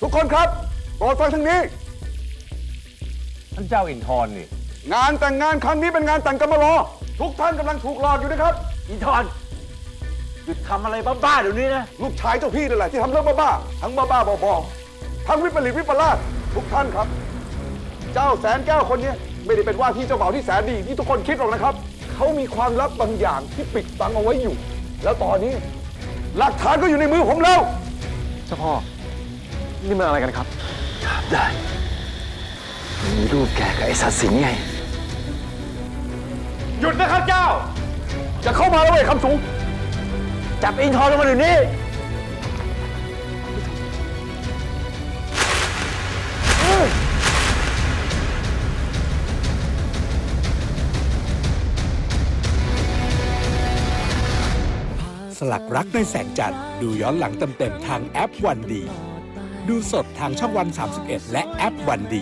ทุกคนครับโปรดฟังทางนี้ท่านเจ้าอินทร์นี่งานแต่งงานครั้งนี้เป็นงานแต่งกำมะลอทุกท่านกำลังถูกหลอกอยู่นะครับอินทร์หยุดทำอะไรบ้าๆเดี๋ยวนี้นะลูกชายเจ้าพี่นั่นแหละที่ทำเรื่องบ้าๆทั้งบ้าๆบอๆทั้งวิปริตวิปลาสทุกท่านครับ เจ้าแสนแก้วคนนี้ไม่ได้เป็นว่าที่เจ้าบ่าวที่แสนดีที่ทุกคนคิดหรอกนะครับเขามีความลับบางอย่างที่ปิดบังเอาไว้อยู่ แล้วตอนนี้หลักฐานก็อยู่ในมือผมแล้วเจ้าพ่อ นี่มันอะไรกันครับถามได้มีรูปแกกับไอ้สัตว์สิงห์ไงหยุดนะครับเจ้าจะเข้ามาแล้วเว้ยคำสูงจับอินทร์ลงมาเดี๋ยวนี้สลักรักในแสงจันทร์ดูย้อนหลังเต็มๆทางแอปวันดี ดูสดทางช่องวัน31 และแอปวันดี